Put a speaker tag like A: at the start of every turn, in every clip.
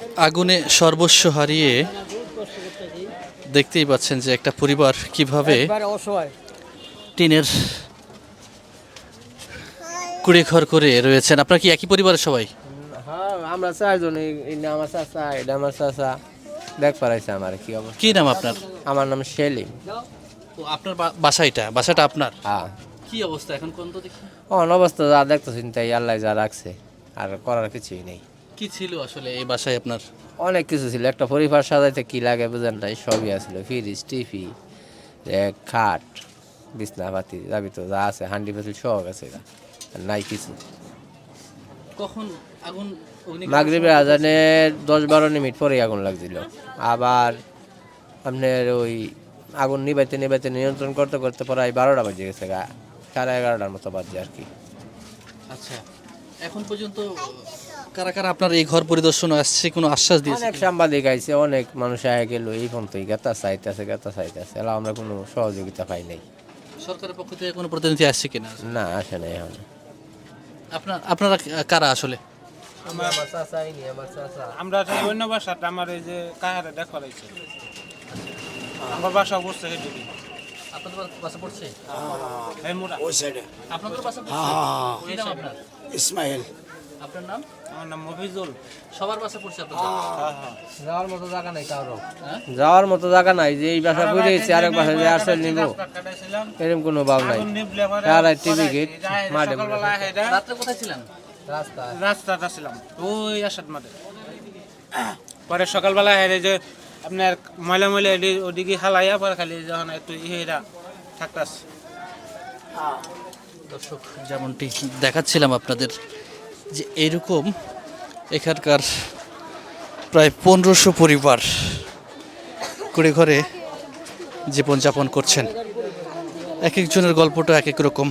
A: আগুনে সর্বস্ব হারিয়ে দেখতেই পাচ্ছেন যে একটা পরিবার কিভাবে টিনের কুড়ে ঘর করে রয়েছেন। আপনার কি একই পরিবারের সবাই?
B: হ্যাঁ, আমরা চারজন, এই নাম আমার চাচা, এটা আমার চাচা। দেখ পারাইছে আমার কি অবস্থা।
A: কি নাম আপনার?
B: আমার নাম সেলিম।
A: তো আপনার বাসাটা আপনার?
B: হ্যাঁ,
A: কি অবস্থা এখন কোন তো দেখি?
B: অবস্থা যা দেখতেছেন তাই আল্লাহ যা রাখছে, আর করার কিছুই নেই।
A: কি ছিল আসলে এই বাসায় আপনার?
B: অনেক কিছু ছিল, একটা পরিবার সাজাইতে কি লাগে বুঝেন নাই, সবই আছিল। ফ্রিজ, টিভি, খাট, বিছনাপাতি, যাবি তো যা আছে, হান্ডি পাতিল সব আছে, আর নাই কিছু।
A: কখন আগুন?
B: মাগরিবের আজানের 10-12 মিনিট পরে আগুন লাগছিল। আবার আপনার ওই আগুন নিবাইতে নিবাইতে নিয়ন্ত্রণ করতে করতে প্রায় 12টা বাজে গেছে, 11:30 মতো বাজে আর কি।
A: আচ্ছা, এখন পর্যন্ত কারা কারা আপনার এই ঘর পরিদর্শনে আসছে, কোনো আশ্বাস দিয়েছে?
B: অনেক সাংবাদিক আইছে, অনেক মানুষ আগে গেল, এই পর্যন্তই গাতা চাইতেছে এলা আমরা কোনো সহযোগিতা পাই নাই।
A: সরকারের পক্ষ থেকে কোনো প্রতিনিধি আসছে কিনা?
B: না, আসে নাই এখন।
A: আপনারা কারা আসলে?
C: আমরা অন্য বাসাটা আমার এই যে কাহারে দেখা রয়েছে, আমার বাসা বসছে সেদিকে।
A: আপনাদের বাসা পড়ছে?
C: এই মোড়া
D: ওই সাইডে।
A: আপনাদের বাসা পড়ছে? কি নাম আপনার?
D: ইসমাইল।
A: আপনার নাম?
C: আমার নাম মফিজুল।
A: সবার বাসা পড়ছে আপনাদের?
B: যাওয়ার মতো জায়গা নাই কারো,
A: হ্যাঁ?
B: যাওয়ার মতো জায়গা নাই, যে এই বাসা পড়ে গেছে আরেক বাসা যে আসল নিব এরকম কোনো ভাব নাই। আর টিভি গেট মাঠে
A: রাত্রে কোথায় ছিলেন?
C: রাস্তাটা ছিলাম ওই আসাদ মাঠে। পরে সকালবেলা হেরে যে আপনার ময়লা ময়লা ওদিকে হালাইয়া পরে খালি যখন একটু ইহেরা থাকতাস।
A: দর্শক, যেমনটি দেখাচ্ছিলাম আপনাদের যে এরকম এখানকার প্রায় 1500 পরিবার কুড়ে ঘরে জীবনযাপন করছেন। এক একজনের গল্পটা এক এক রকম।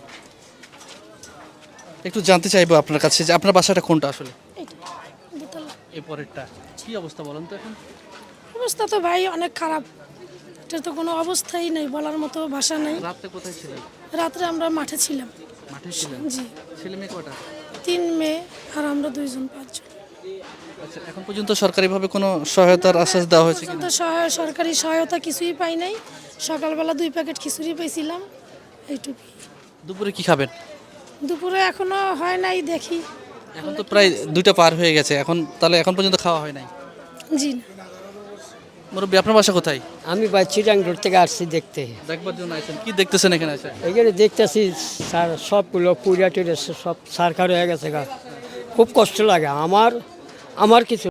A: একটু জানতে চাইবো আপনার কাছে যে আপনার বাসাটা কোনটা আসলে? এই পরেরটা। কি অবস্থা বলেন তো এখন?
E: অবস্থা তো ভাই অনেক খারাপ, এটা তো কোনো অবস্থাই নেই, বলার মতো ভাষা নেই।
A: রাতে কোথায় ছিলেন?
E: রাত্রে আমরা মাঠে ছিলাম।
A: মাঠে ছিলেন?
E: জি,
A: ছেলে মেয়ে কটা?
E: 3 মেয়ে আর আমরা 2 জন, 5 জন।
A: আচ্ছা, এখন পর্যন্ত সরকারিভাবে কোনো সহায়তার আশ্বাস দেওয়া হয়েছে কিনা?
E: পর্যন্ত সরকারি সহায়তা কিছুই পাই নাই। সকালবেলা 2 প্যাকেট খিচুড়ি পেয়েছিলাম, এইটুকুই।
A: দুপুরে কি খাবেন?
E: দুপুরে এখনো হয় নাই, দেখি।
A: এখন তো প্রায় 2টা পার হয়ে গেছে, তাহলে এখন পর্যন্ত খাওয়া হয় নাই?
E: জি না।
A: মুরব্বী, আপনার বাসা কোথায়?
F: আমি বা চিটাং রোড থেকে আসছি দেখতে।
A: দেখবার জন্য আছেন? কি দেখতেছেন এখানে আছে?
F: এখানে দেখতেছি স্যার সবগুলো পুরিয়া টুরিয়া সব সারখার হয়ে গেছে গা, খুব কষ্ট লাগে আমার কিছু